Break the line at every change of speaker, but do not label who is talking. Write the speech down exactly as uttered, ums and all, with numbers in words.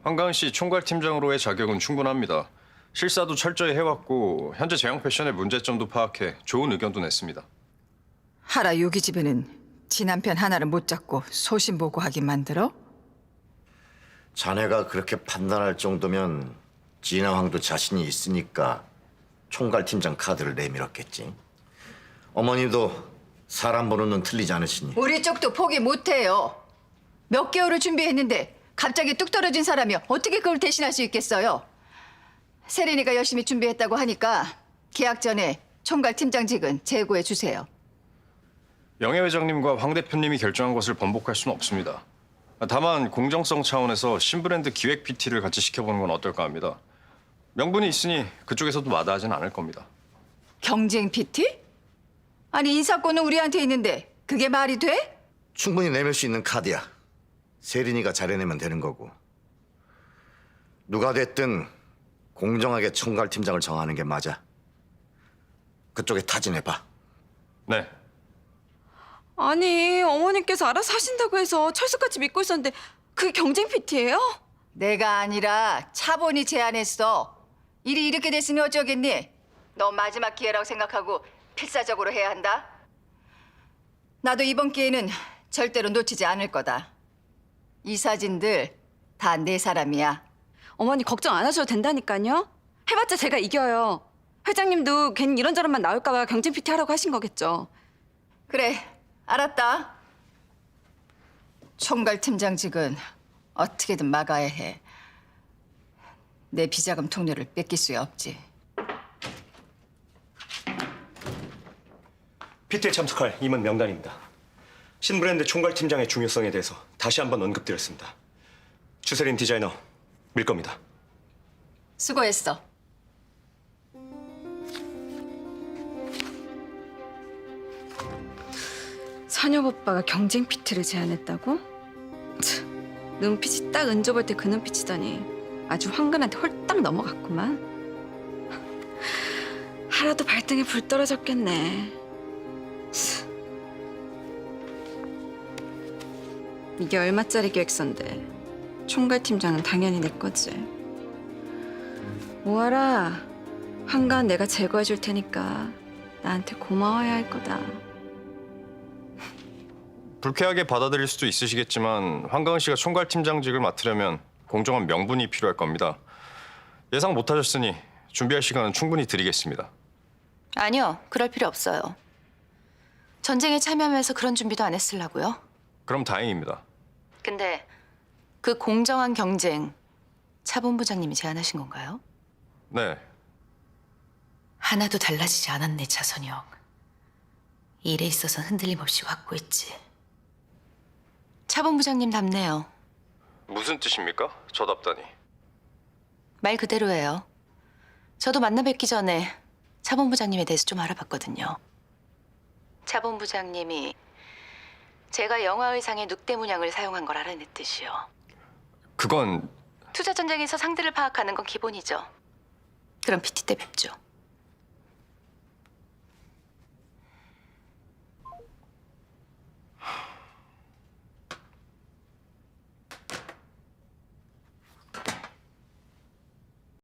한가은 씨 총괄팀장으로의 자격은 충분합니다. 실사도 철저히 해왔고 현재 제형 패션의 문제점도 파악해 좋은 의견도 냈습니다.
하라 요기 집에는 지 남편 하나를 못 잡고 소신보고하게 만들어?
자네가 그렇게 판단할 정도면 진화황도 자신이 있으니까 총괄팀장 카드를 내밀었겠지. 어머니도 사람 보는 눈 틀리지 않으시니.
우리 쪽도 포기 못해요. 몇 개월을 준비했는데 갑자기 뚝 떨어진 사람이 어떻게 그걸 대신할 수 있겠어요? 세린이가 열심히 준비했다고 하니까 계약 전에 총괄팀장직은 제고해 주세요.
영애 회장님과 황 대표님이 결정한 것을 번복할 수는 없습니다. 다만 공정성 차원에서 신브랜드 기획 피티를 같이 시켜보는 건 어떨까 합니다. 명분이 있으니 그쪽에서도 마다하진 않을 겁니다.
경쟁 피티? 아니 인사권은 우리한테 있는데 그게 말이 돼?
충분히 내밀 수 있는 카드야. 세린이가 잘해내면 되는 거고. 누가 됐든 공정하게 총괄팀장을 정하는 게 맞아. 그쪽에 타진해봐.
네.
아니, 어머님께서 알아서 하신다고 해서 철수같이 믿고 있었는데 그게 경쟁 피티예요?
내가 아니라 차본이 제안했어. 일이 이렇게 됐으니 어쩌겠니? 너 마지막 기회라고 생각하고 필사적으로 해야 한다. 나도 이번 기회는 절대로 놓치지 않을 거다. 이 사진들 다 내 사람이야.
어머니 걱정 안 하셔도 된다니까요. 해봤자 제가 이겨요. 회장님도 괜히 이런저런만 나올까 봐 경쟁 피티 하라고 하신 거겠죠.
그래, 알았다. 총괄팀장직은 어떻게든 막아야 해. 내 비자금 통로를 뺏길 수 없지.
피티에 참석할 임원 명단입니다. 신브랜드 총괄팀장의 중요성에 대해서 다시 한번 언급드렸습니다. 주세린 디자이너 밀 겁니다.
수고했어.
선엽 오빠가 경쟁 피티를 제안했다고? 참, 눈빛이 딱 은조 볼 때 그 눈빛이더니 아주 황근한테 홀딱 넘어갔구만. 하라도 발등에 불 떨어졌겠네. 참. 이게 얼마짜리 계획서인데 총괄팀장은 당연히 내 거지. 모아라. 황가은 내가 제거해 줄 테니까 나한테 고마워야 할 거다.
불쾌하게 받아들일 수도 있으시겠지만 황가은 씨가 총괄팀장직을 맡으려면 공정한 명분이 필요할 겁니다. 예상 못하셨으니 준비할 시간은 충분히 드리겠습니다.
아니요, 그럴 필요 없어요. 전쟁에 참여하면서 그런 준비도 안 했으려고요.
그럼 다행입니다.
근데 그 공정한 경쟁 차본부장님이 제안하신 건가요?
네.
하나도 달라지지 않았네, 차선영. 일에 있어서 흔들림 없이 확고했지. 차본부장님 답네요.
무슨 뜻입니까? 저답다니.
말 그대로예요. 저도 만나 뵙기 전에 차본부장님에 대해서 좀 알아봤거든요. 차본부장님이 제가 영화 의상에 늑대 문양을 사용한 걸 알아냈듯이요.
그건
투자 전쟁에서 상대를 파악하는 건 기본이죠. 그럼 피티 때 뵙죠.